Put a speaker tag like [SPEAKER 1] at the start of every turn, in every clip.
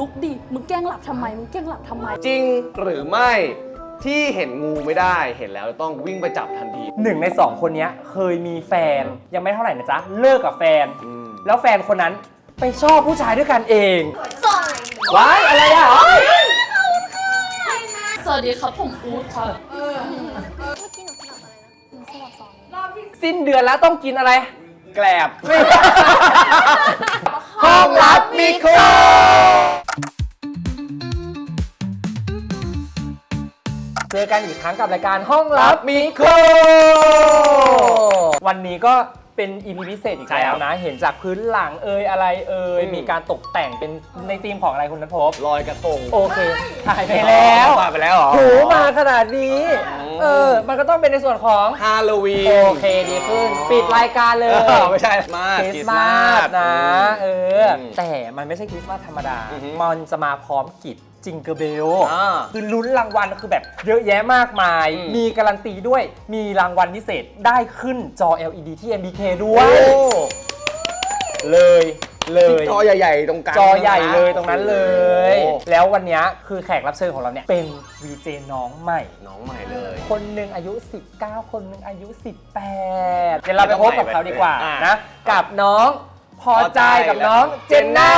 [SPEAKER 1] ลุกดิมึงแกล้งหลับทำไมมึงแกล้งหลับทำไม
[SPEAKER 2] จริงหรือไม่ที่เห็นงูไม่ได้เห็นแล้วต้องวิ่งไปจับทันที
[SPEAKER 3] 1 ใน 2 คนนี้เคยมีแฟนยังไม่เท่าไหร่นะจ๊ะเลิกกับแฟน แล้วแฟนคนนั้นไปชอบผู้ชายด้วยกันเองว้ายอะไรอ่ะ
[SPEAKER 1] สวัสดีครับผมอู๊ดครับ
[SPEAKER 3] สิ้นเดือนแล้วต้องกินอะไร
[SPEAKER 2] แกลบ ห้องลับมิโคร
[SPEAKER 3] เจอกันอีกครั้งกับรายการห้องลับมิโครวันนี้ก็เป็น EP พิเศษอีกแล้วนะ เห็นจากพื้นหลังอะไรมีการตกแต่งเป็นในธีมของอะไรคุณณัฐพ
[SPEAKER 2] ลอยกระทง
[SPEAKER 3] โอเคถ่ายไปแล้ว
[SPEAKER 2] ถ่ายไปแล้วเหรอ
[SPEAKER 3] ถูมาขนาดนี้มันก็ต้องเป็นในส่วนของ
[SPEAKER 2] ฮาโลวีน
[SPEAKER 3] โอเคดีขึ้นปิดรายการเลย
[SPEAKER 2] ไม่ใช่มา
[SPEAKER 3] คริสต์มาสนะแต่มันไม่ใช่คริสต์มาสธรรมดา มันจะมาพร้อมกิจจิงเกอร์เบลคือลุ้นรางวัลคือแบบเยอะแยะมากมาย มีการันตีด้วยมีรางวัลพิเศษได้ขึ้นจอ LED ที่ MBK ด้วยเลย
[SPEAKER 2] จอใหญ่ๆตรงกลาง
[SPEAKER 3] จอใหญ่เลยตรงนั้นเลย แล้ววันนี้คือแขกรับเชิญของเราเนี่ยเป็น VJ น้องใหม่
[SPEAKER 2] น้องใหม่เลย
[SPEAKER 3] คนหนึ่งอายุ 19 คนหนึ่งอายุ 18 เดี๋ยวเราไปพบกับเขาดีกว่านะกับน้องพอใจกับน้องเจนน่า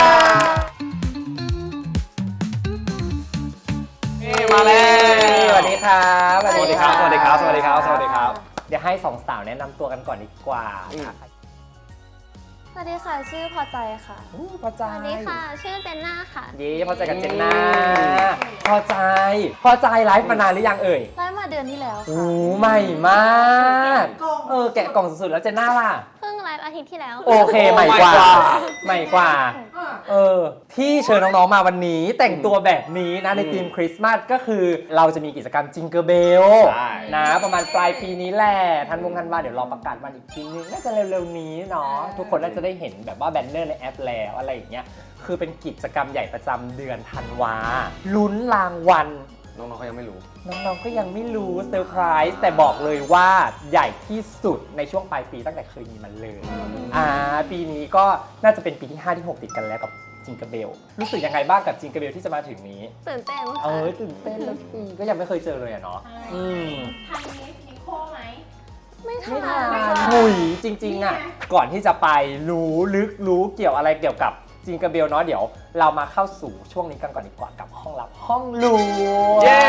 [SPEAKER 2] มาแล้ว
[SPEAKER 3] สวัสดีครับ
[SPEAKER 2] สวัสดีครับ สวัสดีครับ สวัสดีครับ สวัสดีครับ
[SPEAKER 3] เดี๋ยวให้สองสาวแนะนำตัวกันก่อนดีกว่า
[SPEAKER 4] สวัสดีค่ะชื่อพอใจค่ะ
[SPEAKER 3] พอใจ
[SPEAKER 4] สวัสดีค่ะชื่อเจนน่าค่ะ
[SPEAKER 3] ดีพอใจกับเจนน่าพอใจไลฟ์มานานหรือยังเอ่ย
[SPEAKER 4] ได้มาเดือนที่แล้ว
[SPEAKER 3] โอ้
[SPEAKER 4] ค่ะ
[SPEAKER 3] ใหม่มากแกะกล่องสุดๆแล้วเจนน่าล่ะ
[SPEAKER 4] เพิ่งไลฟ์อาทิตย์ที่แล้ว
[SPEAKER 3] โอเคใหม่กว่าที่เชิญน้องๆมาวันนี้แต่งตัวแบบนี้นะในธีมคริสต์มาสก็คือเราจะมีกิจกรรมจิงเกอร์เบลนะประมาณปลายปีนี้แหละธันวาเดี๋ยวรอประกาศวันอีกทีนึงน่าจะเร็วๆนี้เนาะทุกคนน่าจะได้เห็นแบบว่าแบนเนอร์ในแอปแล้วอะไรอย่างเงี้ยคือเป็นกิจกรรมใหญ่ประจำเดือนธันวาลุ้นรางวัล
[SPEAKER 2] น้องๆเขายังไม่รู้
[SPEAKER 3] น้องๆก็ยังไม่รู้เซอร์ไพรส์แต่บอกเลยว่าใหญ่ที่สุดในช่วงปลายปีตั้งแต่เคยมีมันเลยปีนี้ก็น่าจะเป็นปีที่ 5 ที่ 6 ติดกันแล้วกับจิงเกอร์เบลรู้สึกยังไงบ้างกับจิงเกอร์เบลที่จะมาถึงนี้
[SPEAKER 4] ตื่นเต้นค่ะ
[SPEAKER 3] ตื่นเต้นแล้วสิก็ยังไม่เคยเจอเลยอะเนาะ
[SPEAKER 5] ทันนิโคไหม
[SPEAKER 4] ไม่ทั
[SPEAKER 3] ไม่
[SPEAKER 4] น
[SPEAKER 3] ทาน
[SPEAKER 4] ค่ะ
[SPEAKER 3] หุยจริงๆอะก่อนที่จะไปรู้เกี่ยวอะไรเกี่ยวกับจิงเกอร์เบลเนาะเดี๋ยวเรามาเข้าสู่ช่วงนี้กันก่อนดีกว่ากับห้องลับห้องลวง
[SPEAKER 2] เย้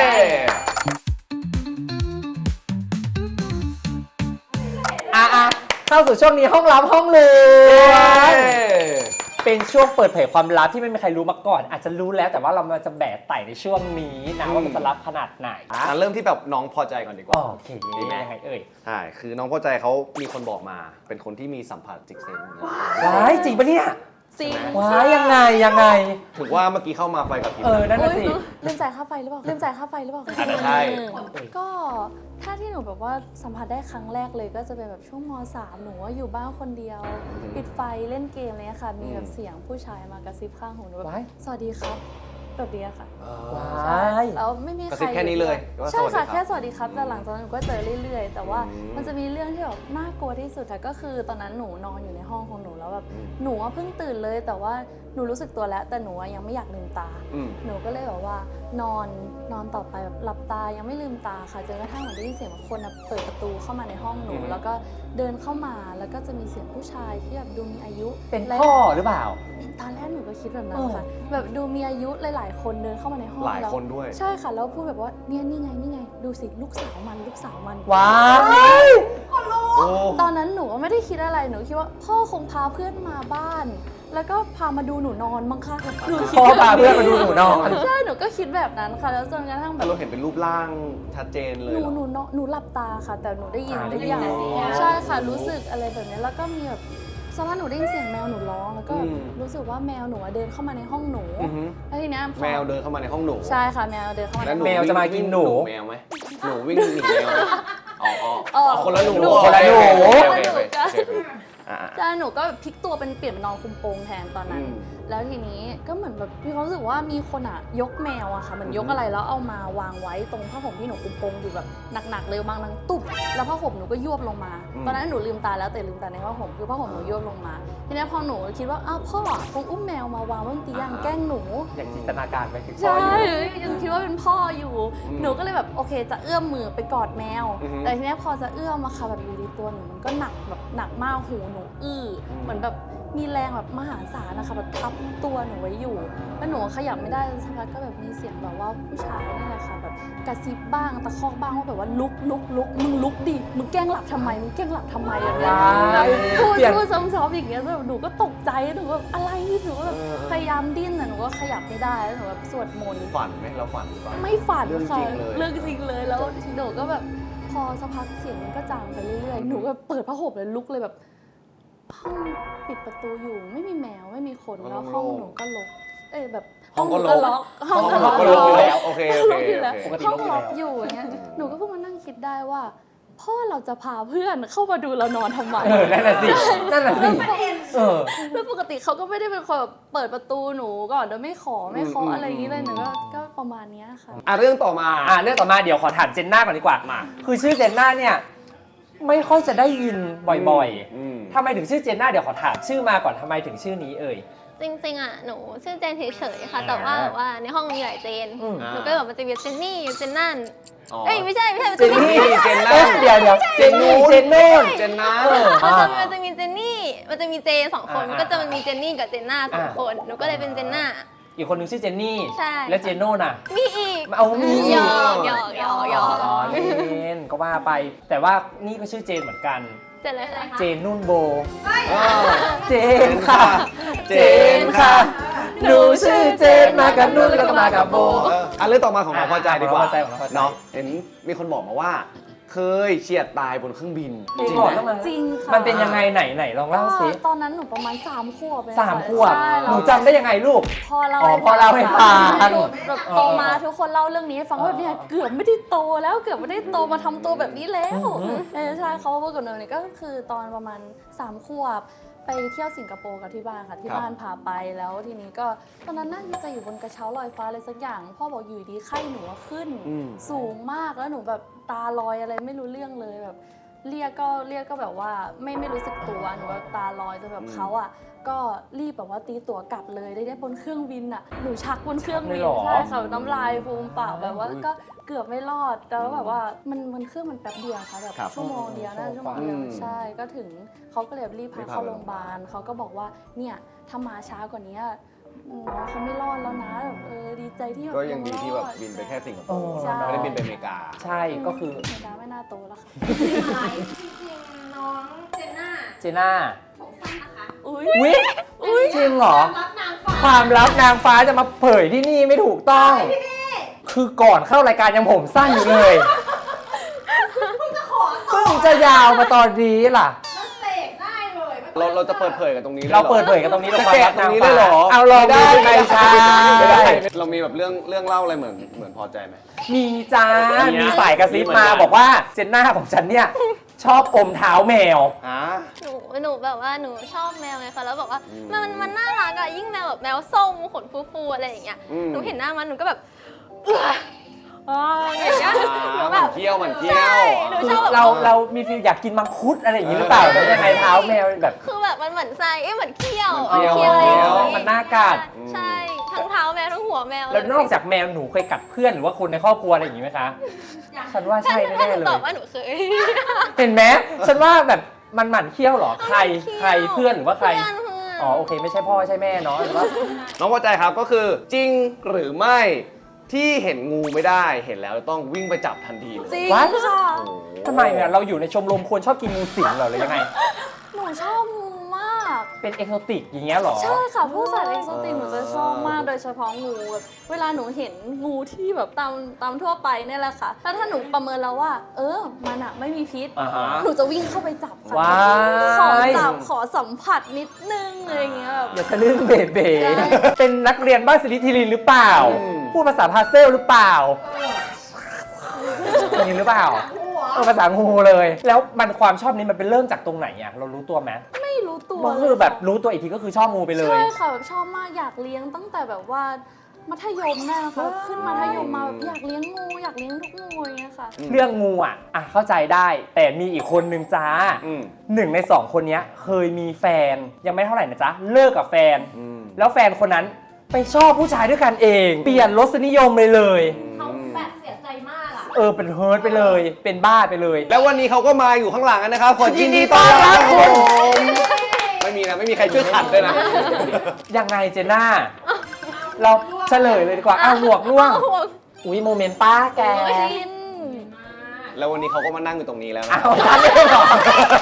[SPEAKER 3] เข้าสู่ช่วงนี้ห้องลับห้องลวงเป็นช่วงเปิดเผยความลับที่ไม่มีใครรู้มาก่อน อาจจะรู้แล้วแต่ว่าเรามาจะแบกไต่ในช่วงนี้นะว่ามันจะลับขนาดไหน
[SPEAKER 2] เริ่มที่แบบน้องพอใจก่อนดีกว่า
[SPEAKER 3] โอเคยังไงเอ่ย
[SPEAKER 2] ใช่ คือน้องพอใจเขามีคนบอกมา เป็นคนที่มีสัมผัสจิกเซน
[SPEAKER 3] ว้ายจริงปะเนี่ย
[SPEAKER 1] จริง
[SPEAKER 3] ว้ายยังไง
[SPEAKER 2] ถือว่าเมื่อกี้เข้ามาไฟกับพริบ
[SPEAKER 3] นั่นน่ะสิ
[SPEAKER 4] ลืมจ่ายค่าไฟหรือเปล่า
[SPEAKER 2] อาจจะใช่
[SPEAKER 4] ก็ถ้าที่หนูแบบว่าสัมผัสได้ครั้งแรกเลยก็จะเป็นแบบช่วงม.3 หนูว่าอยู่บ้านคนเดียว ปิดไฟเล่นเกมอะไรเงี้ยค่ะ มีแบบเสียงผู้ชายมากระซิบข้างหูหนูแบบสวัสดีครับแบบนี้ค่ะ
[SPEAKER 3] ว้าย
[SPEAKER 4] แล้วไม่มี
[SPEAKER 2] กระ
[SPEAKER 4] ใค
[SPEAKER 2] ซิ
[SPEAKER 4] ร
[SPEAKER 2] บแค่นี้เลยว่า
[SPEAKER 4] ใช่ค่ะ
[SPEAKER 2] สวัสดีรับ
[SPEAKER 4] แค่สวัสดีครับแต่หลังจากนั้นหนูก็เจอเรื่อยๆ แต่ว่ามันจะมีเรื่องที่แบบน่ากลัวที่สุดค่ะก็คือตอนนั้นหนูนอนอยู่ในห้องของหนูแล้วแบบหนูว่าเพิ่งตื่นเลยแต่ว่าหนูรู้สึกตัวแล้วแต่หนูยังไม่อยากลืมตา หนูก็เลยแบบว่านอนต่อไปแบบหลับตายังไม่ลืมตาค่ะจนกระทั่งหนูได้ยินเสียงแบบคนเปิดประตูเข้ามาในห้องหนูแล้วก็เดินเข้ามาแล้วก็จะมีเสียงผู้ชายที่แบบดูมีอายุ
[SPEAKER 3] เป็นพ่อหรือเปล่า
[SPEAKER 4] ตอนแรกหนูก็คิดแบบนั้นค่ะแบบดูมีอายุหลายๆคนเดินเข้ามาในห้อง
[SPEAKER 2] หลายคนด้วย
[SPEAKER 4] ใช่ค่ะแล้วพูดแบบว่าเนี่ยนี่ไงดูสิลูกสาวมัน
[SPEAKER 3] ว้าย
[SPEAKER 4] ตอนนั้นหนูก็ไม่ได้คิดอะไรหนูคิดว่าพ่อคงพาเพื่อนมาบ้าน แล้วก็พามาดูหนูนอนมั้งคะหนูคิด
[SPEAKER 3] พ่อพาเพื่อนมาดูหนูนอน
[SPEAKER 4] ใช่หนูก็คิดแบบนั้นค่ะแล้วจนกระทั่งแบ
[SPEAKER 2] แต่
[SPEAKER 4] บ
[SPEAKER 2] เราเห็นเป็นรูปร่างชัดเจนเลย
[SPEAKER 4] หนูหลับตาค่ะ แต่หนูได้ยิน
[SPEAKER 3] ได้
[SPEAKER 4] ทุก
[SPEAKER 3] ยิน
[SPEAKER 4] อย่าง
[SPEAKER 3] เสียง
[SPEAKER 4] ใช่ค่ะรู้สึกอะไรแบบนี้แล้วก็มีแบบสักพักหนูได้ยินเสียงแมวหนูร้องแล้วก็รู้สึกว่าแมวหนูเดินเข้ามาในห้องหนูแล้วทีเนี้ยพอ
[SPEAKER 2] แมวเดินเข้ามาในห้องหนู
[SPEAKER 4] ใช่ค่ะแมวเดินเข้ามาใน
[SPEAKER 2] แล้ว
[SPEAKER 4] ห้อง
[SPEAKER 3] แมวจะมากินหนู
[SPEAKER 2] แมวไหมหนูวิ่งหนีแมวไหมคนละหนู
[SPEAKER 3] คนละหนู
[SPEAKER 2] โอเค
[SPEAKER 4] ใช่หนูก็พลิกตัวเป็นเปลี่ยนเป็นนอนคุมโปงแทนตอนนั้นแล้วทีนี้ก็เหมือนแบบมีความรู้สึกว่ามีคนอะยกแมวอะค่ะเหมือนยกอะไรแล้วเอามาวางไว้ตรงผ้าห่มที่หนูคุมโปงอยู่แบบหนักๆเลยบางนังตุบแล้วผ้าห่มหนูก็ยวบลงมาตอนนั้นหนูลืมตาแล้วแต่ลืมตาในผ้าห่มคือผ้าห่มหนูยวบลงมาทีนี้พอหนูคิดว่าอ้าวพ่อคงอุ้มแมวมาวางไว้บนเตียงแกล้งหนู
[SPEAKER 3] อย่างจินตนาการไปถึงพ่อ
[SPEAKER 4] ใช่
[SPEAKER 3] อยู่
[SPEAKER 4] ยังคิดว่าเป็นพ่ออยู่ หนูก็เลยแบบโอเคจะเอื้อมมือไปกอดแมว แต่ทีนี้พอจะเอื้อมมาค่ะแบบอยู่ดีตัวหนูมันก็หนักแบบหนักมากหูหนูเหมือนแบบมีแรงแบบมหาศาลนะคะแบบทับตัวหนูไว้อยู่แล้วหนูขยับไม่ได้สักพักก็แบบมีเสียงแบบว่าผู้ชายนี่แหละค่ะแบบกระซิบบ้างตะคอกบ้างว่าแบบว่าลุกมึงลุกดิมึงแกล้งหลับทำไมมึงแกล้งหลับทำไมอะไรอย่างเงี้ยแบบพูดซ้ำๆอย่างเงี้ยแบบหนูก็ตกใจหนูแบบอะไรหนูแบบพยายามดิ้นแต่หนูก็ขยับไม่ได้แล้วหนูแบบสวดมนต์
[SPEAKER 2] ฝันไหมเราฝันหรือเปล่า
[SPEAKER 4] ไม่ฝันค่ะ
[SPEAKER 2] เรื่
[SPEAKER 4] เรื่
[SPEAKER 2] อ
[SPEAKER 4] อง ง
[SPEAKER 2] จ
[SPEAKER 4] จ
[SPEAKER 2] ริ
[SPEAKER 4] ริ
[SPEAKER 2] ง
[SPEAKER 4] ง
[SPEAKER 2] เล
[SPEAKER 4] เลย ยแล้วหนูก็แบบพอสักพักเสียงมันก็จางไปเรื่อยๆหนูก็เปิดผ้าห่มเลยลุกเลยแบบห้องปิดประตูอยู่ไม่มีแมวไม่มีคนแล้วห้องหนูก็ล็อกแบบ
[SPEAKER 2] ห้องก็
[SPEAKER 4] หนู
[SPEAKER 2] ล็อก
[SPEAKER 4] ห้อง
[SPEAKER 2] ห้องก็ล็อกอยู่แล้วโอเค
[SPEAKER 4] ล็อกอยู่แล้ว
[SPEAKER 3] ปกติ
[SPEAKER 4] ห้อง
[SPEAKER 3] ล็
[SPEAKER 4] ล็
[SPEAKER 3] อ
[SPEAKER 4] อก ก
[SPEAKER 3] อ
[SPEAKER 4] อยู่ ยู่อย่างเงี้ยหนูก็เพิ่งมานั่งคิดได้ว่า พ่อเราจะพาเพื่อนเข้ามาดูเรานอนทำไม
[SPEAKER 3] นั่นน่ะสิ
[SPEAKER 4] แล้วปกติเขาก็ไม่ได้เป็นคนแบบเปิดประตูหนูก่อนโดยไม่ขออะไรอย่างนี้เลยหนูก็ประมาณเนี้ยค่ะ
[SPEAKER 2] เรื่องต่อมา
[SPEAKER 3] เรื่องต่อมาเดี๋ยวขอถามเจนน่าก่อนดีกว่ามาคือชื่อเจนน่าเนี่ยไม่ค่อยจะได้ยินบ่อยๆทำไมถึงชื่อเจนน่าเดี๋ยวขอถามชื่อมาก่อนทำไมถึงชื่อนี้เอ่ย
[SPEAKER 5] จริงๆอ่ะหนูชื่อเจนเฉยๆค่ะแต่ว่าแบบว่าในห้องมีหลายเจนหนูก็แบบมันจะมีเจนนี่เจนนั่นเอ้ยไม่ใช่
[SPEAKER 3] เจนนี่
[SPEAKER 2] เจนนั่น
[SPEAKER 3] เดี๋ยวเจนนู่นเจนนู่น
[SPEAKER 2] เจนนั่น
[SPEAKER 5] มันจะมีเจนนี่มันจะมีเจสองคนมันก็จะมันมีเจนนี่กับเจนน่าสองคนหนูก็เลยเป็นเจนน่า
[SPEAKER 3] อีกคนนึงชื่อเจนนี่
[SPEAKER 5] ใช่
[SPEAKER 3] แล้วเจนโน่น่ะ
[SPEAKER 5] มีอีก
[SPEAKER 3] เอามี
[SPEAKER 5] หยอก
[SPEAKER 3] เจนก็ว่าไป แต่ว่านี่ก็ชื่อเจนเหมือนกัน
[SPEAKER 5] เจนอะไรคะ
[SPEAKER 3] เจนนุ่นโบเจนค่ะเจนค่ะหนูชื่อเจนมากับนุ่นแล้วก็มากับโบ
[SPEAKER 2] เรื่องต่อมาของเราพอใจดีกว่า
[SPEAKER 3] ของเราพอใจของเราพอใจ
[SPEAKER 2] เนาะเห็นมีคนบอกมาว่า เคยเฉียดตายบนเครื่องบิน
[SPEAKER 3] จริง
[SPEAKER 2] ไหม
[SPEAKER 3] เหรอ
[SPEAKER 4] จริงค่ะ
[SPEAKER 3] มันเป็นยังไงไหนลองเล่าสิ
[SPEAKER 4] ตอนนั้นหนูประมาณ3 ขวบเอง
[SPEAKER 3] 3 ขวบ
[SPEAKER 4] ใช่
[SPEAKER 3] หนูจำได้ยังไงลูก
[SPEAKER 4] พอเรา
[SPEAKER 3] พอเล่าให้ฟัง
[SPEAKER 4] แบบโตมาทุกคนเล่าเรื่องนี้ให้ฟังว่าเนี่ยเกือบไม่ได้โตแล้วเกือบไม่ได้โตมาทำตัวแบบนี้แล้วใช่เขาพูดกับหนูเนี่ยก็คือตอนประมาณ3 ขวบไปเที่ยวสิงคโปร์กับที่บ้านค่ะที่บ้านพาไปแล้วทีนี้ก็ตอนนั้นน่าจะอยู่บนกระเช้าลอยฟ้าอะไรสักอย่างพ่อบอกอยู่ดีไข้หนูขึ้นสูงมากแล้วหนูแบบตาลอยอะไรไม่รู้เรื่องเลยแบบเรียกก็แบบว่าไม่รู้สึกตัวหนูแบบตาลอยจนแบบเขาอ่ะก็รีบแบบว่าตีตั๋วกลับเลยได้บนเครื่องบินอ่ะหนูชักบนเครื่องบินใช่ค่ะน้ำลายฟูมปากแบบว่าก็เกือบไม่รอดแต่ว่าแบบว่ามันเครื่องมันแป๊บเดียวค่ะแบบชั่วโมงเดียวชั่วโมงเดียวใช่ก็ถึงเขาก็เลยรีบพาเข้าโรงพยาบาลเขาก็บอกว่าเนี่ยถ้ามาช้ากว่านี้น้องเขาไม่รอดแล้วนะแบบดีใจที่แบบ
[SPEAKER 2] ก็ยังดีที่แบบบินไปแค่สิงคโปร์
[SPEAKER 4] ใช่
[SPEAKER 2] ไม่ได้บินไปอเมริกา
[SPEAKER 3] ใช่ก็คือ
[SPEAKER 4] เมริกาไม่น่าโตแล้วค่ะ
[SPEAKER 5] จริงๆน้องเจนน่า
[SPEAKER 3] เจน่า
[SPEAKER 5] ผมสั้นนะคะ
[SPEAKER 4] อุ้ย
[SPEAKER 3] วิจริงเหรอ
[SPEAKER 5] รับนางฟ้า
[SPEAKER 3] ความลับนางฟ้าจะมาเผยที่นี่ไม่ถูกต้อง คือก่อนเข้ารายการยังผมสั้นอยู่เลยเพิ่งจะยาวมาตอนนี้ล่ะ
[SPEAKER 5] แล้วเสกได้เลย
[SPEAKER 2] เราจะเปิดเผยกันตรงนี้เลยหอ
[SPEAKER 3] เราเปิดเผยกันตรงนี้เรา
[SPEAKER 2] จะ
[SPEAKER 3] ความ
[SPEAKER 2] แกะ
[SPEAKER 3] ลับ
[SPEAKER 2] ตร
[SPEAKER 3] นาง ง
[SPEAKER 2] นี้
[SPEAKER 3] ฟ้า
[SPEAKER 2] ได้เหรอ
[SPEAKER 3] เอาลองดู
[SPEAKER 2] ไม่
[SPEAKER 3] ไม่ใช่
[SPEAKER 2] ไม่ได้เรามีแบบเรื่องเล่าอะไรเหมือนพอใจไหม
[SPEAKER 3] มีจ้า
[SPEAKER 2] มีนะ
[SPEAKER 3] มีสายกระซิบมา
[SPEAKER 2] มีเหมือนกัน
[SPEAKER 3] บอกว่าเจนน่าของฉันเนี่ย ชอบอมเท้าแมว
[SPEAKER 5] หนูแบบว่าหนูชอบแมวไงคะแล้วแบบว่ามันน่ารักอะยิ่งแมวแบบแมวส้มขนฟูๆอะไรอย่างเงี้ยหนูเห็นหน้ามันหนูก็แบบอย่างเงี้ยหนู
[SPEAKER 2] ห
[SPEAKER 5] แบ
[SPEAKER 2] มัน
[SPEAKER 5] บ
[SPEAKER 2] เที่ยวหมันเที่ย
[SPEAKER 5] ใช่
[SPEAKER 2] ว
[SPEAKER 5] หนู
[SPEAKER 3] คือ
[SPEAKER 5] ชอบแบบ
[SPEAKER 3] เรามีฟีลอยากกินมังคุดอะไรอย่างนี้หรือเปล่าหรือยังไงเท้าแมวแบบ
[SPEAKER 5] คือแบบมันเหมือนไส้เหมือนเขี้ยว
[SPEAKER 2] เขี้ยว
[SPEAKER 5] อะไรอย่าง
[SPEAKER 2] เขี้ยว
[SPEAKER 5] เงี้ย
[SPEAKER 3] มันน่ากัด
[SPEAKER 5] ใช่ทั้งเท้าแมวทั้งหัวแมว
[SPEAKER 3] แล้วนอกจากแมวหนูเคยกัดเพื่อนหรือว่าคนในครอบครัวอะไรอย่างนี้ไหมคะ ฉันว่าใช่
[SPEAKER 5] ถ้า
[SPEAKER 3] แน่
[SPEAKER 5] หนู
[SPEAKER 3] ๆเล
[SPEAKER 5] ตอย บว่าหนูเคย
[SPEAKER 3] เห็นไหมฉันว่าแบบมันหมั่นเคี้ยวเหรอใครเพื่อนหรือว่าใคร
[SPEAKER 5] เพื่อน
[SPEAKER 3] อ๋อโอเคไม่ใช่พ่อใช่แม่เนาะหรือว่า
[SPEAKER 2] น้องพอใจครับก็คือจริงหรือไม่ที่เห็นงูไม่ได้เห็นแล้วต้องวิ่งไปจับทันทีเลย
[SPEAKER 4] จริง
[SPEAKER 3] What?
[SPEAKER 4] ค่ะ
[SPEAKER 2] โอ้โห
[SPEAKER 3] ทำไมเนี่ยเราอยู่ในชมรมคนชอบกินงูสิงเหรอหรือยังไง
[SPEAKER 4] หนูชอบงูมาก
[SPEAKER 3] เป็นเอกโซติกอย่างเงี้ยเหรอ
[SPEAKER 4] ใช่ค่ะพวกสัตว์เอ็กโซติกหนูจะชอบมากโดยเฉพาะงูแบบเวลาหนูเห็นงูที่แบบตามทั่วไปเนี่ยแหละค่ะถ้าหนูประเมินแล้วว่ามันอะไม่มีพิษ
[SPEAKER 3] อ่าฮะ
[SPEAKER 4] หนูจะวิ่งเข้าไปจับค่ะ
[SPEAKER 3] ว้าย
[SPEAKER 4] ขอจับขอสัมผัสนิดนึงอะไรอย่างเงี้ยแบบ
[SPEAKER 3] อย่าทะลึ่งเบเบ
[SPEAKER 4] ใช่
[SPEAKER 3] เป็นนักเรียนบ้านสิริธิรินหรือเปล่า พูดภาษาพาสเซลหรือเปล่าอย่างนี้หรือเปล่า
[SPEAKER 5] หัว
[SPEAKER 3] ภาษางูเลย แล้วมันความชอบนี้มันเป็นเริ่มจากตรงไหนอ่ะเรารู้ตัวไหม
[SPEAKER 4] ไม่รู้ตัว
[SPEAKER 3] ก็คือแบบรู้ตัวอีกทีก็คือชอบงูไปเลย
[SPEAKER 4] ใช่ค่ะแบบชอบมากอยากเลี้ยงตั้งแต่แบบว่ามัธยมได้นะคะขึ้นมัธยมมาแบบอยากเลี้ยงงูอยากเลี้ยงทุกงูอย่างเงี้ยค่ะ
[SPEAKER 3] เรื่องงูอ่ะเข้าใจได้ แต่มีอีกคนนึงจ้า
[SPEAKER 2] อืม
[SPEAKER 3] 1 ใน 2 คนเนี้ยเคยมีแฟนยังไม่เท่าไหร่นะจ๊ะเลิกกับแฟน
[SPEAKER 2] อืม
[SPEAKER 3] แล้วแฟนคนนั้นไปชอบผู้ชายด้วยกันเอง เปลี่ยนรสนิยมเลย
[SPEAKER 5] เขาแบบเสียใจมากอะ
[SPEAKER 3] เป็นเฮิร์ตไปเลยเป็นบ้าไปเลย
[SPEAKER 2] แล้ววันนี้เขาก็มาอยู่ข้างหลังกันนะครับขอยินดีต้อนรับครับผมไม่มีนะไม่มีใครช่วยขัดด้วยนะ
[SPEAKER 3] ยังไงเจน่า เราเฉลยเลยดีกว่าหวกล่วง อุ้ยโมเมนต์ป้าแก
[SPEAKER 4] ชิน
[SPEAKER 2] แล้ววันนี้เขาก็มานั่งอยู่ตรงนี้แล้วนะ
[SPEAKER 3] อ้าวฉันไม่ได้หรอ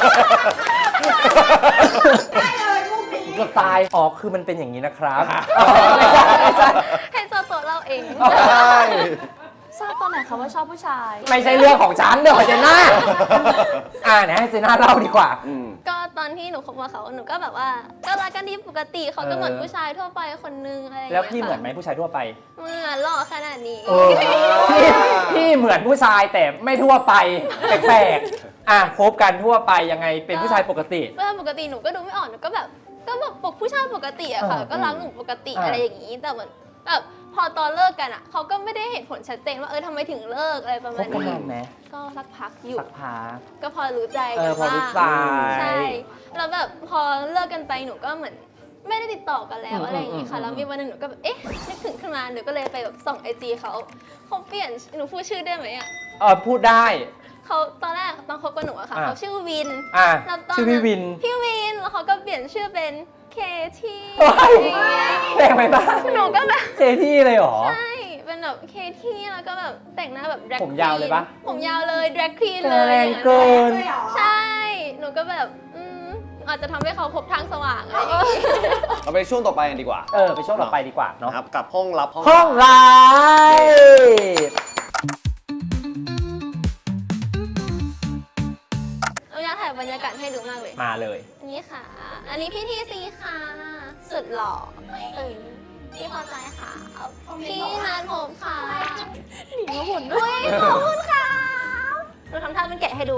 [SPEAKER 3] ก็ตายอ๋อคือมันเป็นอย่างนี้นะครับไม่ใช่ไม่ใช่
[SPEAKER 5] ให้เจ้าตัวเล่าเอง
[SPEAKER 2] ใช่
[SPEAKER 4] ทราบตอนไหนคะว่าชอบผู้ชาย
[SPEAKER 3] ไม่ใช่เรื่องของฉันเดี๋ยวเจน่าเนี่ยให้เจน่าเล่าดีกว่า
[SPEAKER 2] อืม
[SPEAKER 5] ก็ตอนที่หนูคบกับเขาหนูก็แบบว่าก็รักกันดีปกติเขาก็เหมือนผู้ชายทั่วไปคนนึงอะไรอย่าง
[SPEAKER 3] แล้ว
[SPEAKER 5] เงี้ย
[SPEAKER 3] พี่เหมือนไหมผู้ชายทั่วไป
[SPEAKER 5] เหมือนหล่อขนาดนี้
[SPEAKER 3] พี่เหมือนผู้ชายแต่ไม่ทั่วไปแปลกๆคบกันทั่วไปยังไงเป็นผู้ชายปกติ
[SPEAKER 5] เวลาปกติหนูก็ดูไม่ออกหนูก็แบบปกผู้ชายปกติอะค่ะ ก็รักหนูปกติอะไรอย่างนี้ แต่เหมือนแบบพอตอนเลิกกันอะเขาก็ไม่ได้เหตุผลชัดเจนว่าทำไมถึงเลิกอะไรประ
[SPEAKER 3] ค
[SPEAKER 5] มา
[SPEAKER 3] บ
[SPEAKER 5] ณ
[SPEAKER 3] กัน
[SPEAKER 5] นี้
[SPEAKER 3] นานไหม
[SPEAKER 5] ก็สักพักอยู่
[SPEAKER 3] สักพัก
[SPEAKER 5] ก็พอรู้ใจ
[SPEAKER 3] พอรู้ใจ
[SPEAKER 5] ใช่แล้วแบบพอเลิกกันไปหนูก็เหมือนไม่ได้ติดต่อกันแล้วอะไรอย่างงี้ค่ะแล้วมีวันหนึงหนูก็แบบนึกถึงขึ้นมาหนูก็เลยไปแบบส่องIGเขาเปลี่ยนหนูพูดชื่อได้ไหมอะ
[SPEAKER 3] พูดได้
[SPEAKER 5] เขาตอนแรกตอนคบกับหนูอะค่ะเขาชื่อวิน แล้วตนนั้น
[SPEAKER 3] ชื่อพี่วิน
[SPEAKER 5] พี่วินแล้วเขาก็เปลี่ยนชื่อเป็นเคที่
[SPEAKER 3] โอ๊ย
[SPEAKER 5] อย่างเงี้ย
[SPEAKER 3] แปลกไปบ้าง
[SPEAKER 5] หนูก็แบบ
[SPEAKER 3] เจที่เลยเหรอ
[SPEAKER 5] ใช่เป็นแบบเคที่แล้วก็แบบแต่งหน้าแบบ drag
[SPEAKER 3] ผมยาวเลยปะ
[SPEAKER 5] ผมยาวเลย drag queen
[SPEAKER 3] แร
[SPEAKER 5] เลย
[SPEAKER 3] งเกิน
[SPEAKER 5] ใช่หนูก็แบบอาจจะทำให้เขาพบทางสว่างอะไรอย่างงี้
[SPEAKER 2] เราไปช่วงต่อไปกันดีกว่า
[SPEAKER 3] ไปช่วงต่อไปดีกว่าเนาะ
[SPEAKER 2] นะครับกับห้องลับ
[SPEAKER 3] ห้องไลฟ์
[SPEAKER 5] เราอยากถ่ายบรรยากาศให้ดูมากเลย
[SPEAKER 3] มาเลย
[SPEAKER 5] อันนี้ค่ะ อันนี้พี่ทีซีค่ะ สุดหล่อพี่พอใจค่ะ พี่นานผมค่ะ
[SPEAKER 4] หนีมาบ่นด้วย
[SPEAKER 5] ขอบคุณค่ะหนูทำท่าเป็นแกะให้ดู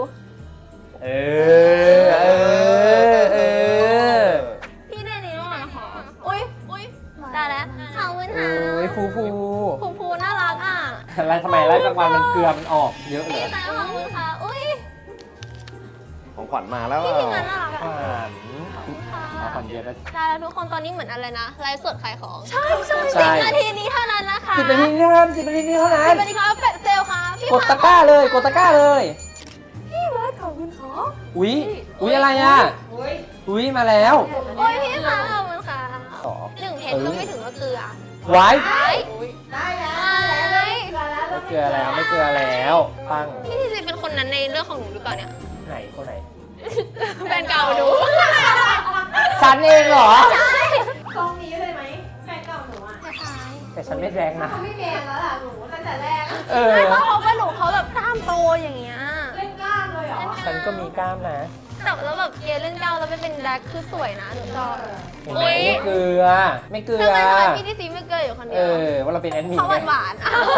[SPEAKER 5] พี่ได้นี้ด้วยนะคะอุ้ยได้แล้วขอบคุณค่ะ
[SPEAKER 3] ฟู
[SPEAKER 5] ภูน่ารักอ่ะ
[SPEAKER 3] อะไรทำไมไล่กลางวันมันเกลือมันออกเยอะเล
[SPEAKER 5] พี่
[SPEAKER 3] ย
[SPEAKER 5] สายขอบคุณค่ะ อุ้ย
[SPEAKER 2] ของขวัญมาแล้ว
[SPEAKER 5] พี่ทีมงานน่ารักอ่ะ
[SPEAKER 3] ขวัญเยอะนะ
[SPEAKER 5] ได้แล้วทุกคนตอนนี้เหมือนอะไรนะไลฟ์สดขายของ
[SPEAKER 3] ใช่
[SPEAKER 5] 10 นาทีนี้เท่านั้นนะคะ
[SPEAKER 3] 10 นาทีเท่านั้น10 นาทีเท่านั้น
[SPEAKER 5] 10 นาทีครับเป็ดเซลค่ะพี่
[SPEAKER 3] กดตะกร้าเลยกดตะกร้าเลย
[SPEAKER 4] พี่วัดขอบคุณค่ะ
[SPEAKER 3] อุ๊ยอะไรอ่ะอุ๊ยมาแล้ว
[SPEAKER 5] โอ้ยพี่ค่ะขอบคุณค่ะ
[SPEAKER 3] สอง
[SPEAKER 5] 1 เพชรก็ไม่ถึงว่าเกลือ
[SPEAKER 3] ไว้
[SPEAKER 5] ได้แล้ว
[SPEAKER 3] ไม่เกลือแล้วปัง
[SPEAKER 5] พี่ทีซีเป็นคนนั้นในเรื่องของหนูหรือเปล่าเนี่ย
[SPEAKER 3] ไหนคนไหน
[SPEAKER 5] แฟนเก่าหนู
[SPEAKER 3] ฉันเองเหรอ
[SPEAKER 6] ทรงนี้เลยไหมแฟนเก่าหนูอ่ะ
[SPEAKER 3] แต่ฉันไม่แรงนะ
[SPEAKER 6] เขาไม่แมนแล้วล่ะหนูตั้งแต่แรก
[SPEAKER 5] ไม่เพราะเขากับหนูเขาแบบกล้ามโตอย่างเงี้ย
[SPEAKER 6] เล่นกล้ามเลยเหรอ
[SPEAKER 3] ฉันก็มีกล้ามนะ
[SPEAKER 5] แต่แล้วแบบเกย์เล่นเก้าแล้วไม่เป็นแดกคือสวยนะหนูชอบ
[SPEAKER 3] เห็นไหมไม่เกลือ ไม่เกลื
[SPEAKER 5] ทำ
[SPEAKER 3] อ
[SPEAKER 5] ไมพี่ทีซีไม่เกย์อยู่คนเดียว
[SPEAKER 3] ว่าเราเป็นแอดมิน
[SPEAKER 5] เขาหวาน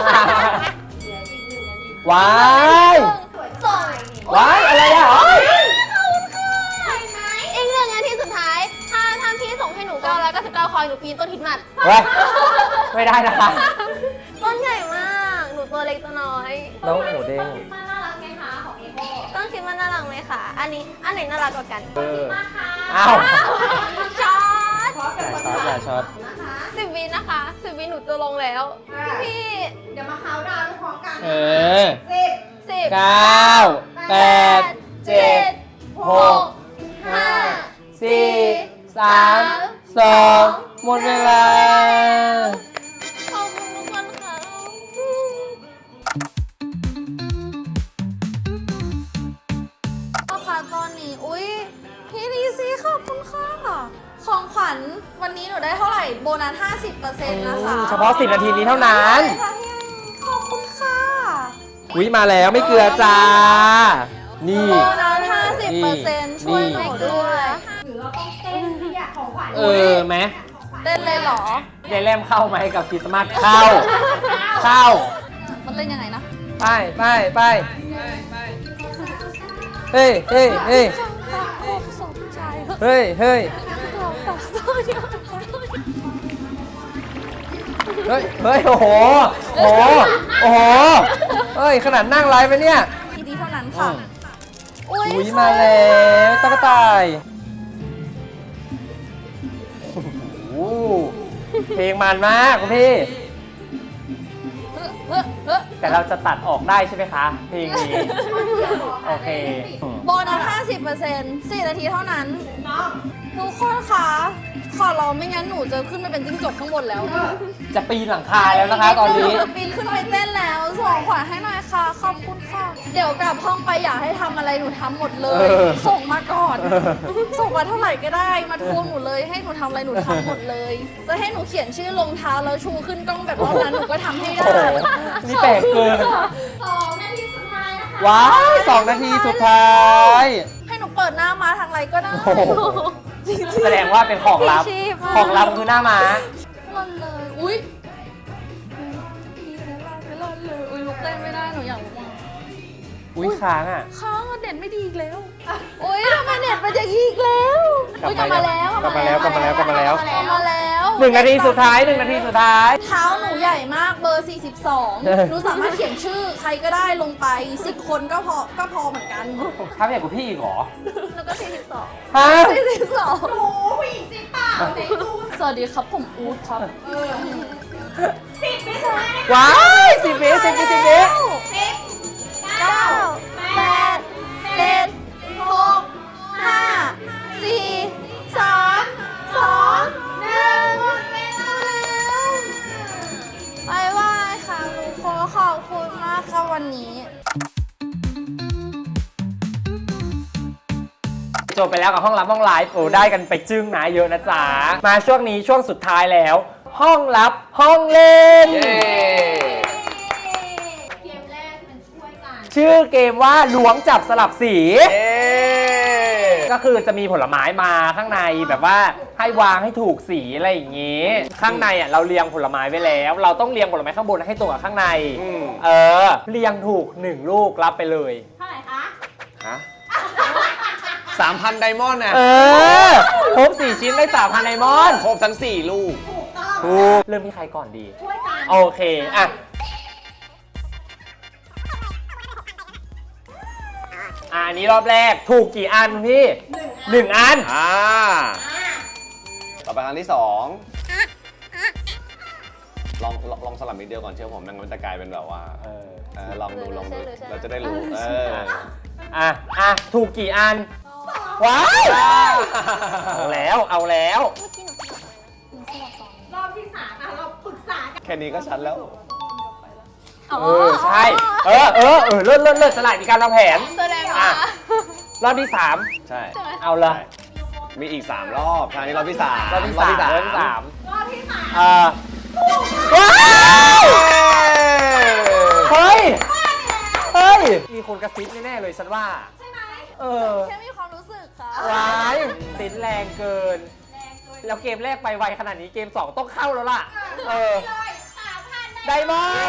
[SPEAKER 3] ว้าย
[SPEAKER 5] ๆส่ง
[SPEAKER 3] ว้ายอะไรอ่ะ
[SPEAKER 5] อีก1 นาทีสุดท้าย ถ้าพี่ส่งให้หนู999 คอยหนูปีนต้นหินหมัด
[SPEAKER 3] เว้ยไม่ได้นะคะ
[SPEAKER 5] ต้นใหญ่มาก หนูตัวเล็กตัวน้อย
[SPEAKER 3] น้องหมูเด้ง
[SPEAKER 6] มันน่ารักไงคะของเอโก้
[SPEAKER 5] ต้นคิดว่าน่ารักไหมคะ อันไหนน่ารักกว่ากัน
[SPEAKER 3] อ้าว
[SPEAKER 5] ช็อต
[SPEAKER 3] อย่าช็อต
[SPEAKER 6] นะคะ
[SPEAKER 5] 10 วินะคะ 10 วิหนูจะลงแล้ว พี่
[SPEAKER 6] เดี๋ยวมาเคาน์ดาวน์พร้อมกัน
[SPEAKER 5] 10
[SPEAKER 3] 9 8 7
[SPEAKER 5] 6 5
[SPEAKER 3] 4 3 2 หมดเวลา
[SPEAKER 5] ขอบคุณทุกคนค่ะ
[SPEAKER 4] พ่อคะตอนนี้อุ๊ยพี่ดีซีขอบคุณค่ะของขวัญวันนี้หนูได้เท่าไหร่โบนัส 50% นะคะ
[SPEAKER 3] เฉพาะ10 นาทีนี้เท่านั้น
[SPEAKER 4] ใช่ค่ะพี่ขอบคุณค่ะ
[SPEAKER 3] อุ๊ยมาแล้วไม่เกลือจ้า นี่
[SPEAKER 4] โบนัส 50% ช่วยหนูด้วย
[SPEAKER 6] หรือเราต้องเต้นที่อยากของขวัญ
[SPEAKER 3] ไหม
[SPEAKER 4] เต้นเลยเหรอ
[SPEAKER 3] ยายแรมเข้าไหมกับคริสต์มาสเข้า
[SPEAKER 4] มันเล่นยังไงนะ
[SPEAKER 3] ไปเฮ้ยเฮ้ยเฮ้ย
[SPEAKER 4] โคตรสนใจ
[SPEAKER 3] เฮ้ยเฮ้ยเฮ้ยเฮ้ยโอ้โหโอ้โหโอ้โหเฮ้ยขนาดนั่งไลฟ์ไปเนี่ย
[SPEAKER 4] ทีนี้เท่านั้นค่ะ
[SPEAKER 3] อุ้ยมาแล้วตะกต่ายโอ้โหเพลงมันมากคุณพี่ แต่เราจะตัดออกได้ใช่ไหมคะ เพลงนี้ โอเค
[SPEAKER 4] โบนัส 50% 4 นาทีเท่านั้น ทุกคนคะ ขอร้องไม่งั้นหนูจะขึ้นไปเป็นจิ้งจกข้างบนแล้ว
[SPEAKER 3] จะปีนหลังคาแล้วนะคะ ตอนนี้
[SPEAKER 4] หจะปีนขึ้นไปเต้นแล้ว ส่งขวัญให้หน่อยค่ะ ขอบคุณค่ะ เดี๋ยวกลับห้องไปอยากให้ทำอะไรหนูทำหมดเลย ส่งมาก่อน ส่งมาเท่าไหร่ก็ได้ มาทวงหนูเลย ให้หนูทำอะไรหนูทำหมดเลย จะให้หนูเขียนชื่อลงเท้าแล้วชูขึ้นกล้องแบบรอบนั้นหนูก็ทำให้ได้
[SPEAKER 3] โอ้โหนี่แปลกเกิน
[SPEAKER 6] 2 นาทีสุดท้ายนะคะ
[SPEAKER 3] ว้าย2 นาทีสุดท้าย
[SPEAKER 4] ให้หนูเปิดหน้ามาทางไรก็ได้
[SPEAKER 3] โอ้โห
[SPEAKER 4] จริงๆ
[SPEAKER 3] แสดงว่าเป็นของลับ
[SPEAKER 5] ชีพ
[SPEAKER 3] ของลับคือหน้าม้า
[SPEAKER 4] ลั่นเลย อุ๊ยไม่ลั่นเลย อุ๊ยลุกเต้นไม่ได้หนูอยากลุกมา
[SPEAKER 3] อุ้ยค้างอ่ะ
[SPEAKER 4] ค้างอะเน็ตไม่ดีอีกแล้ว อุ๊ยทำไมเน็ตเป็นอย่างนี้อีกแล้วอุ๊ยกลับมาแล้ว
[SPEAKER 3] กลับมาแล้ว
[SPEAKER 4] กลับมาแล้ว
[SPEAKER 3] กลับมาแล้ว 1 นาทีสุดท้าย 1 นาทีสุดท้าย
[SPEAKER 4] เท้าหนูใหญ่มากเบอร์ 42 หนูสามารถเขียนชื่อใครก็ได้ลงไป 10 คนก็พอเหมือนกัน
[SPEAKER 3] ค้างใหญ่กว่าพี่อีกเหรอ
[SPEAKER 5] แล้วก็42
[SPEAKER 3] ฮะ
[SPEAKER 4] 42
[SPEAKER 6] โอ้ผู้หญิงจริงเปล่าไหนดู
[SPEAKER 1] สวัสดีครับผมอู๊ดครับ
[SPEAKER 6] 10 วิสุดท้ายนะคะ
[SPEAKER 3] ว้าย10 วิ10 วิ10 วิ
[SPEAKER 6] 10 9
[SPEAKER 4] 8 7 6 5 4 3 2 1หมดเวลาแล้วบายบายค่ะทุกคนขอบคุณมากค่ะวันนี้
[SPEAKER 3] จบไปแล้วกับห้องลับห้องไลฟ์โอ้ได้กันไปจึ้งนะเยอะนะจ๊ะ มาช่วงนี้ช่วงสุดท้ายแล้ว ห้องลับห้องเล่น
[SPEAKER 2] เย้
[SPEAKER 6] เกมแรกมันช่วยกัน
[SPEAKER 3] ชื่อเกมว่าล้วงจับสลับสี
[SPEAKER 2] เย้
[SPEAKER 3] ก็คือจะมีผลไม้มาข้างในแบบว่าให้วางให้ถูกสีอะไรอย่างงี้ ข้างในอ่ะเราเรียงผลไม้ไว้แล้ว เราต้องเรียงผลไม้ข้างบนให้ตรงกับข้างใน เออ เรียงถูก1 ลูกรับไปเลย
[SPEAKER 6] เท่าไหร่คะ
[SPEAKER 2] ฮะ3,000 ไดมอนด์นะ
[SPEAKER 3] เออครบ4 ชิ้นได้3,000 ไดมอนด์
[SPEAKER 2] ครบทั้ง 4 ลูก
[SPEAKER 6] ถูกต้อง
[SPEAKER 3] ถูกเริ่มที่ใครก่อนดี
[SPEAKER 6] ช่วยกัน
[SPEAKER 3] โอเคอ่ะอันนี้รอบแรกถูกกี่อันพี่1 อัน
[SPEAKER 2] ต่อไปอันที่ 2 ลองสลับนิดเดียวก่อนเชื่อผมมันจะกลายเป็นแบบว่าลองดูเราจะได้รู้
[SPEAKER 3] อ่ะถูกกี่อัน ว้าวเอาแล้วเอาแล้ว
[SPEAKER 6] รอบที่ 3เราปรึกษากัน
[SPEAKER 2] แค่นี้ก็ชัดแล้ว
[SPEAKER 3] ใช่เลิศสลายมีการวางแผน
[SPEAKER 5] แสดง
[SPEAKER 3] อ่ะ
[SPEAKER 5] ว่าร
[SPEAKER 3] อบที่ 3
[SPEAKER 2] ใช่
[SPEAKER 3] เอาเลย
[SPEAKER 2] มีอีก 3 รอบครั้งนี้รอบที่ 3
[SPEAKER 3] รอบที่ 3
[SPEAKER 6] รอบที่ 3
[SPEAKER 3] ว้าวเฮ้ยมีคนกระซิบแน่ๆเลยฉันว่า
[SPEAKER 6] ใช่ไหม
[SPEAKER 4] แค่มีความรู้สึกค่ะ
[SPEAKER 3] ว้ายติดแรงเกิน แล้วเกมแรกไปไวขนาดนี้เกม 2 ต้องเข้าแล้วล่ะ
[SPEAKER 6] เลย 3,000
[SPEAKER 3] ไดมอนด์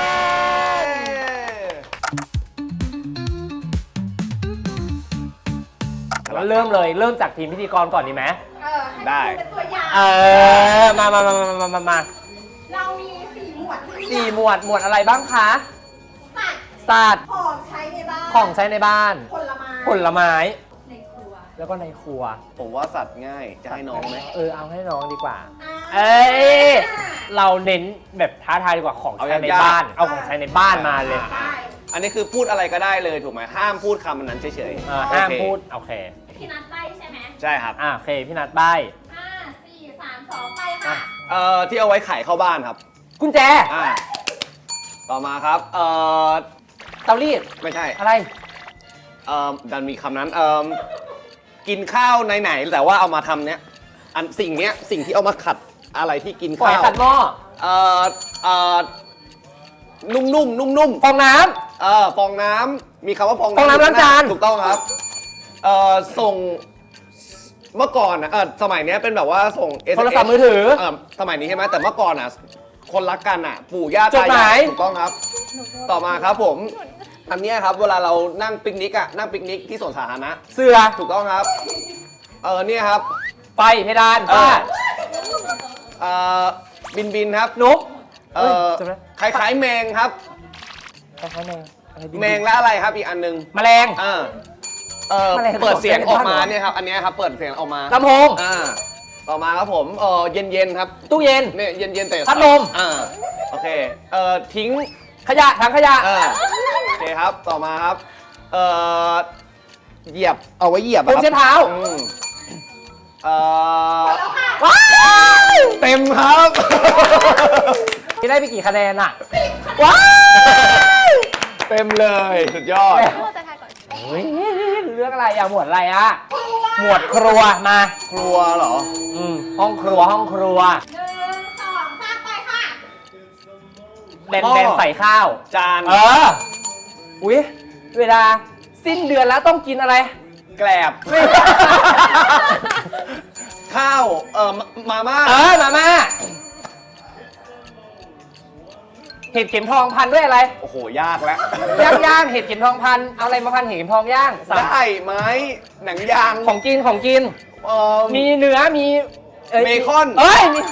[SPEAKER 3] แล้วเริ่มเลยเริ่มจากทีมพิธีกรก่อนดีไหม
[SPEAKER 2] ได้
[SPEAKER 6] เป็นตัวอย่าง
[SPEAKER 3] มา
[SPEAKER 6] เรามี4 หมวดที่
[SPEAKER 3] 4 หมวดอะไรบ้างคะ
[SPEAKER 6] สัตว์
[SPEAKER 3] สัตว์
[SPEAKER 6] ของใช้ในบ้าน
[SPEAKER 3] ของใช้ในบ้าน
[SPEAKER 6] ผลไม้
[SPEAKER 3] ผลไม้
[SPEAKER 6] ในครัว
[SPEAKER 3] แล้วก็ในครัว
[SPEAKER 2] ผมว่าสัตว์ง่าย จะให้น้องไหม
[SPEAKER 3] เอาให้น้องดีกว่า
[SPEAKER 6] อ่า
[SPEAKER 3] เอ้ย เราเน้นแบบท้าทายดีกว่าของใช้ในบ้าน เอาของใช้ในบ้านมาเลย
[SPEAKER 6] ได้
[SPEAKER 2] อันนี้คือพูดอะไรก็ได้เลยถูกไหมห้ามพูดคำนั้นเฉยๆ
[SPEAKER 3] ห้าม
[SPEAKER 2] โอเค
[SPEAKER 3] พูด โอเค
[SPEAKER 6] พี่นัทไปใช่ไหม
[SPEAKER 2] ใช่ครับ
[SPEAKER 3] โอเค พี่นัดใบ
[SPEAKER 6] 5 4 3 2 ไปค่ะ
[SPEAKER 2] ที่เอาไว้ไขเข้าบ้านครับ
[SPEAKER 3] กุญแจ
[SPEAKER 2] ต่อมาครับ
[SPEAKER 3] เตารีด
[SPEAKER 2] ไม่ใช่
[SPEAKER 3] อะไร
[SPEAKER 2] ดันมีคำนั้น กินข้าวไหนๆแต่ว่าเอามาทำเนี้ยสิ่งที่เอามาขัดอะไรที่กิน
[SPEAKER 3] ปล่อย
[SPEAKER 2] ข้าว
[SPEAKER 3] ขัดหม้อ
[SPEAKER 2] นุ่ม
[SPEAKER 3] ฟองน้
[SPEAKER 2] ฟองน้ำมีคำว่าฟอง
[SPEAKER 3] ฟองน้ำล้างจาน
[SPEAKER 2] ถูกต้องครับส่งเมื่อก่อนนะสมัยเนี้ยเป็นแบบว่าส่ง
[SPEAKER 3] ำโทรศัพท์มือถือ
[SPEAKER 2] สมัยนี้ใช่ไหมแต่เมื่อก่อนอ่ะคนรักกันอ่ะ ปู่ย่า
[SPEAKER 3] จด
[SPEAKER 2] ตา
[SPEAKER 3] หมาย
[SPEAKER 2] าย ถูกต้องครับ ต่อมาครับผม อันเนี้ยครับเวลาเรานั่งปิกนิกอ่ะนั่งปิกนิกที่สวนสาธารณะ
[SPEAKER 3] เสือ
[SPEAKER 2] ถูกต้องครับเนี่ยครับ
[SPEAKER 3] ไฟเพดาน
[SPEAKER 2] เอ
[SPEAKER 3] ฟ้า
[SPEAKER 2] บินครับ
[SPEAKER 3] นก
[SPEAKER 2] เอ่อ
[SPEAKER 3] จำได้
[SPEAKER 2] คล้ายๆแมงครับ
[SPEAKER 3] คล้ายๆแมงอะไรบิน
[SPEAKER 2] แมงและอะไรครับอีกอันหนึง
[SPEAKER 3] แมลง แมลง
[SPEAKER 2] เปิดเสียงออกมา
[SPEAKER 3] เหรอ
[SPEAKER 2] เนี่ยครับอันเนี้ยครับเปิดเสียงออกมา
[SPEAKER 3] ลำโพง
[SPEAKER 2] ต่อมาครับผมเย็นๆครับ
[SPEAKER 3] ตู้เย็น
[SPEAKER 2] เนี่ยเย็นๆแต่
[SPEAKER 3] พัดลม
[SPEAKER 2] โอเคทิ้ง
[SPEAKER 3] ขยะถังขยะ
[SPEAKER 2] โอเคครับต่อมาครับเหยียบเอาไว้เหยียบ
[SPEAKER 3] ผมเช็ดเท้า
[SPEAKER 2] อืมว้าวเต็มครับ
[SPEAKER 3] ที่ได้ไปกี่คะแนนอ่ะ ว้าว
[SPEAKER 2] เต็มเลยสุดยอด
[SPEAKER 5] พ่อจะทายก่อน
[SPEAKER 3] เฮ้ยเรื่องอะไรอ่ะ หมวดอะไรอ่ะ หมวดครัวมา
[SPEAKER 2] ครัวเหรอ
[SPEAKER 3] ห้องครัวห้องครัว
[SPEAKER 6] 1 2 3 ไปค่ะ
[SPEAKER 3] แบนๆใส่ข้าว
[SPEAKER 2] จาน
[SPEAKER 3] อุ๊ย เวลาสิ้นเดือนแล้วต้องกินอะไร
[SPEAKER 2] แกลบ ข้าวมาม่า
[SPEAKER 3] มาม่าเห็ดเข็มทองพันด้วยอะไร
[SPEAKER 2] โอ้โหยากแล้ว
[SPEAKER 3] ย่างเห็ดเข็มทองพันเอาอะไรมาพันเห็ดเข็มทองย่างสาม
[SPEAKER 2] ได้ไม้หนังยาง
[SPEAKER 3] ของกินของกิน มีเนื้อมี
[SPEAKER 2] เบคอน
[SPEAKER 3] เอ้ยมี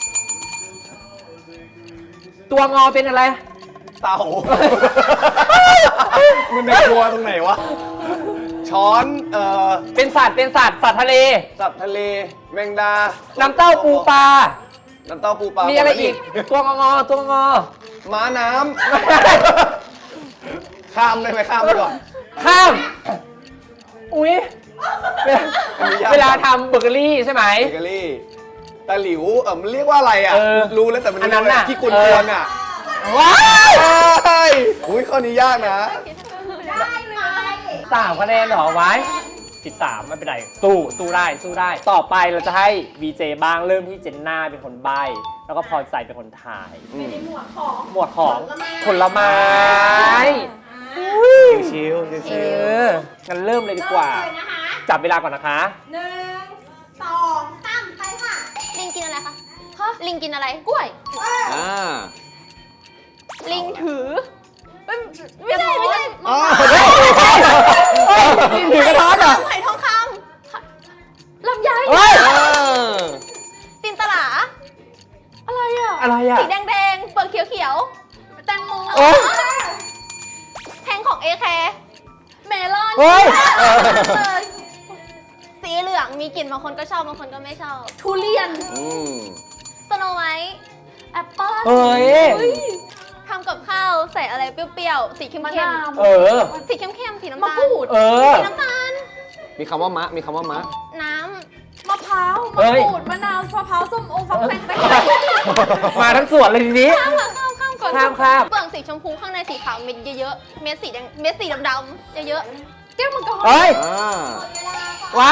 [SPEAKER 3] ตัวงอเป็นอะไร
[SPEAKER 2] เต่ามันในครัวตรงไหนวะ ช้อน
[SPEAKER 3] เป็นสัตว์สัตว์ทะเล
[SPEAKER 2] สัตว์ทะเลแมงดา
[SPEAKER 3] น้ำเต้าปูปลา
[SPEAKER 2] น้ำเต้าปูปลา
[SPEAKER 3] มี
[SPEAKER 2] มี
[SPEAKER 3] อะไรอีก ตัวงอตัวงอ
[SPEAKER 2] ม้าน้ำ ข้ามได้ไหมข้ามไปก่อน
[SPEAKER 3] ข้าม อุ๊ย
[SPEAKER 2] อันนี้ยาก
[SPEAKER 3] เวลาทำเบเกอรี่ใช่ไหม
[SPEAKER 2] เบเกอรี่ตะหลิวมันเรียกว่าอะไรอ่ะ รู้แล้วแต่มัน
[SPEAKER 3] อันนั้นน่ะ
[SPEAKER 2] ที่กุนเตือนอ่ะ
[SPEAKER 3] ว้าว
[SPEAKER 2] ใช่อุ้ยข้อนี้ยากนะ
[SPEAKER 6] ได้ไหม
[SPEAKER 3] 3 คะแนนเหรอไว้13ไม่เป็นไร สู้ได้ ต่อไปเราจะให้ VJ บ้างเริ่มที่เจนน่าเป็นคนใบ้ แล้วก็พอใจเป็นคนถ่าย
[SPEAKER 6] ในหมวดของ
[SPEAKER 3] หมวดของผลไม้
[SPEAKER 2] ชิวๆ
[SPEAKER 3] เอ
[SPEAKER 2] ชิว
[SPEAKER 3] งั้นเริ่มเลยดีกว่า
[SPEAKER 6] เริ่มเลยนะคะ
[SPEAKER 3] จับเวลาก่อนนะคะ
[SPEAKER 6] 1 2 3 ไปค่ะ
[SPEAKER 5] ลิงกินอะไรคะลิงกินอะไร
[SPEAKER 4] กล้วย
[SPEAKER 5] ลิงถือไม่ใช่
[SPEAKER 3] กินถือกระท้อนเหรอ
[SPEAKER 5] ไผ่ทองค
[SPEAKER 4] ลำไย
[SPEAKER 3] เฮ้ย
[SPEAKER 5] ำจินตลา
[SPEAKER 4] อะไรอ่ะ
[SPEAKER 3] อะไรอ่ะ
[SPEAKER 5] สีแดงๆเปลือกเขียว
[SPEAKER 4] แตงโม
[SPEAKER 3] โอ้ย
[SPEAKER 5] ๆแทงของเอแคร์
[SPEAKER 4] เมลอน
[SPEAKER 3] เฮ้ย
[SPEAKER 5] สีเหลืองมีกลิ่นบางคนก็ชอบบางคนก็ไม่ชอบ
[SPEAKER 4] ทุเรียน
[SPEAKER 5] สโนไวท์
[SPEAKER 4] แอปเปิ้ล
[SPEAKER 3] เฮ้ย
[SPEAKER 5] ทำกับข้าวใส่อะไรเปรี้ยวๆสีเข้ม
[SPEAKER 4] มะ
[SPEAKER 5] ๆ
[SPEAKER 4] นาว
[SPEAKER 3] เออ
[SPEAKER 5] สีเข้มๆสีน้ำ
[SPEAKER 4] มะ
[SPEAKER 5] ตาล
[SPEAKER 4] กรูด
[SPEAKER 3] เออ
[SPEAKER 5] สีน้ำตาล
[SPEAKER 2] มีคำว่ามะ มีคำว่ามะ
[SPEAKER 5] น้
[SPEAKER 4] มะพร้าว
[SPEAKER 3] เฮ้
[SPEAKER 4] มะ
[SPEAKER 3] ย
[SPEAKER 4] กรูดมะนาวมะพร้าวส้มโอฟักแฟงแตง
[SPEAKER 3] มาทั้งสวนเลยทีนี้
[SPEAKER 5] ำข้ามก่อน
[SPEAKER 3] ข้าม
[SPEAKER 5] เปลือกสีชมพูข้างในสีขาวเม็ดเยอะๆเม็ดสีแดงเม็ดสีดำๆเยอะ
[SPEAKER 4] แก้วมังกร
[SPEAKER 3] เฮ้ย ว้าว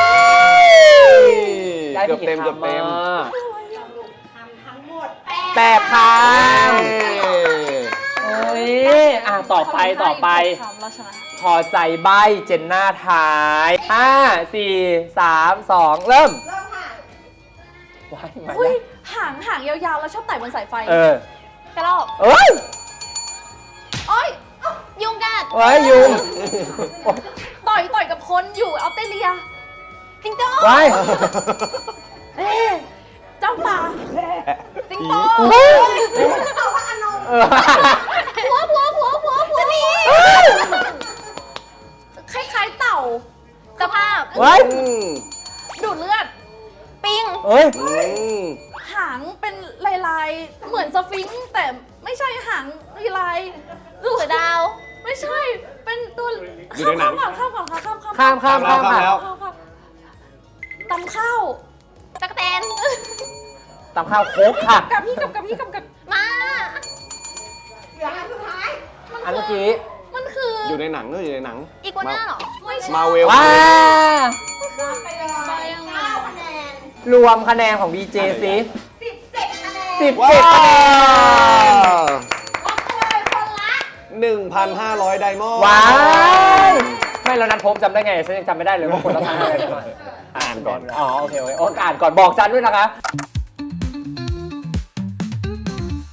[SPEAKER 2] เกือบเต็มเกือบเต็ม
[SPEAKER 6] ทำทั้งหมด
[SPEAKER 3] แปดคำเฮ้ย ต่อไป
[SPEAKER 4] คำเราชนะ
[SPEAKER 3] พอใจใบเจนหน้าท้าย 5 4 3 2 เริ่ม
[SPEAKER 6] เริ่มค่ะ
[SPEAKER 3] ว้ายมา
[SPEAKER 4] อุ้ย
[SPEAKER 3] แล้ว
[SPEAKER 4] หางยาวๆ แล้วชอบไต่บนสายไฟ
[SPEAKER 5] ๆกระรอก
[SPEAKER 3] เอ้ย
[SPEAKER 4] โอ้ย
[SPEAKER 5] ยุงกัด
[SPEAKER 3] เฮ้ยยุง
[SPEAKER 4] ต่อยกับคนอยู่ออสเตรเลีย
[SPEAKER 5] จิงโจ้
[SPEAKER 3] ว้าย
[SPEAKER 4] เอ๊ะเจ้าป่า
[SPEAKER 5] สิงโต
[SPEAKER 6] เอาว่าอนง
[SPEAKER 3] เออ
[SPEAKER 5] จะหนี
[SPEAKER 4] คล้ายๆเต่า
[SPEAKER 5] สภาพ
[SPEAKER 3] เฮ้ย
[SPEAKER 4] ดูดเลือด
[SPEAKER 5] ปิง
[SPEAKER 3] เฮ้ย
[SPEAKER 4] หางเป็นลายๆ เหมือนสฟิงค์แต่ไม่ใช่หางลายๆ
[SPEAKER 5] เสือดาว
[SPEAKER 4] ไม่ใช่ เป็นตัว
[SPEAKER 2] อยู่ในหนัง
[SPEAKER 4] ข้ามก่อนค่ะข้าม
[SPEAKER 3] ข้าม
[SPEAKER 2] ข้ามแล้ว
[SPEAKER 4] ตำข้าว
[SPEAKER 5] จักรแตน
[SPEAKER 3] ตำข้าวโคกค่ะ
[SPEAKER 4] กับพี่กับ
[SPEAKER 5] มา
[SPEAKER 6] เหลืออันสุดท้าย
[SPEAKER 3] อันเมื่อกี้
[SPEAKER 4] มันคือ
[SPEAKER 2] อยู่ในหนังด้วยอยู่ในหนัง
[SPEAKER 5] อีกัวน่าเหรอ
[SPEAKER 4] ไม่ใช่
[SPEAKER 2] มาเวล
[SPEAKER 3] ว้า
[SPEAKER 6] รับไปเลย9คะแนน
[SPEAKER 3] รวมคะแนนของ BJ สิ
[SPEAKER 6] 17 คะแนน
[SPEAKER 3] 17
[SPEAKER 2] ว้า
[SPEAKER 3] คะแนน
[SPEAKER 6] รับไปเลยคนละ
[SPEAKER 2] 1,500 ไดมอนด์
[SPEAKER 3] ว้าย ไม่แล้วนัดพบจำได้ไงฉันยังจำไม่ได้เลยว่าคนละทางอะไรกันมา
[SPEAKER 2] อ่านก่อน
[SPEAKER 3] อ๋อโอเคโอเคอ่านก่อนบอกจันด้วยนะคะ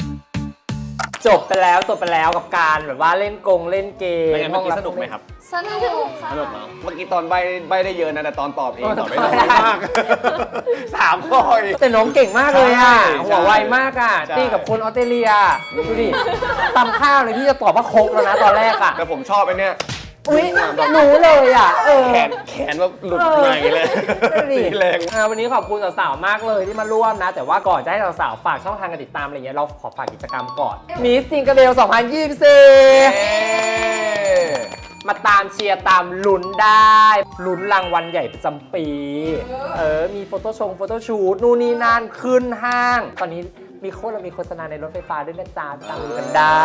[SPEAKER 3] จบไปแล้วกับการแบบว่าเล่นเล่นเกม
[SPEAKER 2] เป็นไงเมื่อกี้สนุกไหมครับ
[SPEAKER 4] สนุกค่ะ
[SPEAKER 2] สนุกเนาะเมื่อกี้ตอนใบได้เยอะนะแต่ตอนตอบเองตอบไม่ได้มาก3 ข้อเอง
[SPEAKER 3] แต่น้องเก่งมากเลยอ่ะ
[SPEAKER 2] ใช่
[SPEAKER 3] หัวไวมากอ่ะ
[SPEAKER 2] ใช่
[SPEAKER 3] ตีกับคนออสเตรเลียดูดิตำข้าวเลยพี่จะตอบว่าครกแล้วนะตอนแรกอ่ะ
[SPEAKER 2] แต่ผมชอบไอ้เนี่ย
[SPEAKER 3] อุ้ยรู้เลยอ่ะ
[SPEAKER 2] แขนแบบหลุดใหม่เลย
[SPEAKER 3] ดูดิ
[SPEAKER 2] ตีแรง
[SPEAKER 3] วันนี้ขอบคุณสาวๆมากเลยที่มาร่วมนะ แต่ว่าก่อนจะให้สาวๆฝากช่องทางการติดตามอะไรเงี้ยเราขอฝากกิจกรรมก่อนมิสจิงเกอร์เบล2024 มาตามเชียร์ตามลุ้นได้ลุ้นรางวัลใหญ่ประจำปี มีโฟโต้ชูตนู่นนี่นั่นขึ้นห้าง ตอนนี้เรามีโฆษณาในรถไฟฟ้าด้วยนะจ๊ะตามดูกันได้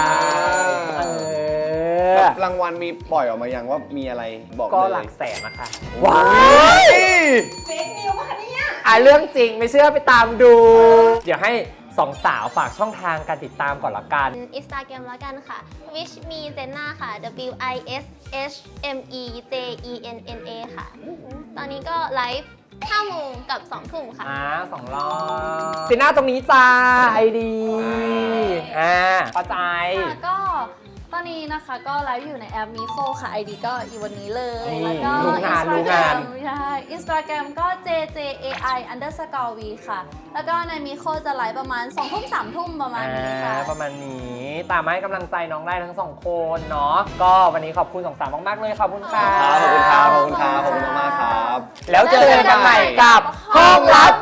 [SPEAKER 2] รางวัลมีปล่อยออกมายังว่ามีอะไรบอก
[SPEAKER 3] ก็
[SPEAKER 2] เลย
[SPEAKER 3] หลักแสนนะคะ
[SPEAKER 2] ว้าย
[SPEAKER 6] เฟกนิวส์ป่ะคะเนี่ย
[SPEAKER 3] เรื่องจริงไม่เชื่อไปตามดู เดี๋ยวให้สองสาวฝากช่องทางการติดตามก่อนละกัน
[SPEAKER 5] Instagram แล้วกันค่ะ wish me Jenna ค่ะ WISHMEJENNA ค่ะ ตอนนี้ก็ไลฟ์5 โมงกับ 2 ทุ่มค่ะ
[SPEAKER 3] 2 รอบติหน้าตรงนี้จ้าไอดีเข้าใจ
[SPEAKER 4] ค่ะก็ตอนนี้นะคะก็ไลฟ์อยู่ในแอปมิโคค่ะ ID ก็อีวันนี้เลย
[SPEAKER 3] นี่
[SPEAKER 4] แล้วก็
[SPEAKER 3] รู้งาน
[SPEAKER 4] Instagram ใช่ Instagram ก็ JJAI_V ค่ะ แล้วก็ในมิโคจะไลฟ์ประมาณ 2 ทุ่ม 3 ทุ่มประมาณนี้ค่ะ
[SPEAKER 3] ประมาณนี้ตามมาให้กำลังใจน้องได้ทั้งสองคนเนาะก็วันนี้ขอบคุณสองสาวมากๆเลยขอบคุณค่ะ
[SPEAKER 2] ขอบคุณครับขอบคุณมากครับ
[SPEAKER 3] แล้วเจอกันใหม่กับห้องลับ